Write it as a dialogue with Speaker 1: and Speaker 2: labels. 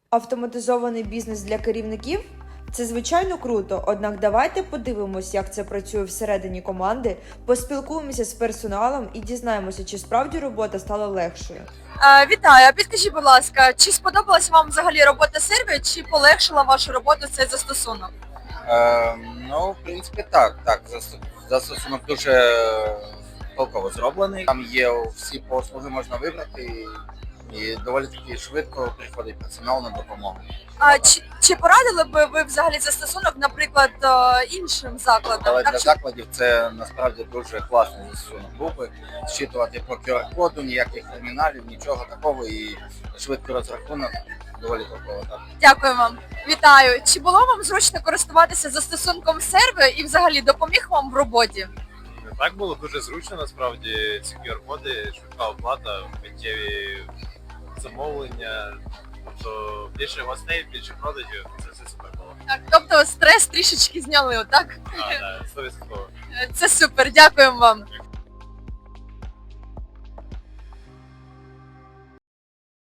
Speaker 1: Автоматизований бізнес для керівників – це звичайно круто, однак давайте подивимось, як це працює всередині команди, поспілкуємося з персоналом і дізнаємося, чи справді робота стала легшою.
Speaker 2: Вітаю, а підкажіть, будь ласка, чи сподобалась вам взагалі робота серві, чи полегшила вашу роботу цей застосунок?
Speaker 3: Ну, в принципі, так. Застосунок дуже толково зроблений. Там є всі послуги, можна вибрати, і доволі таки швидко приходить персонал на допомогу.
Speaker 2: Чи порадили би ви взагалі застосунок, наприклад, іншим закладам?
Speaker 3: Але
Speaker 2: Так,
Speaker 3: для закладів це насправді дуже класний застосунок був би. Зчитувати по QR-коду, ніяких терміналів, нічого такого, і швидкий розрахунок доволі толково, так.
Speaker 2: Дякую вам. Вітаю. Чи було вам зручно користуватися застосунком серві і взагалі допоміг вам в роботі?
Speaker 4: Так було дуже зручно, насправді, ці QR-коди, швидка оплата, миттєві замовлення, тобто більше гостей, більше продажів, це все супер було.
Speaker 2: Так, тобто стрес трішечки зняли, так?
Speaker 4: Так, 100%.
Speaker 2: Це супер, дякуємо вам.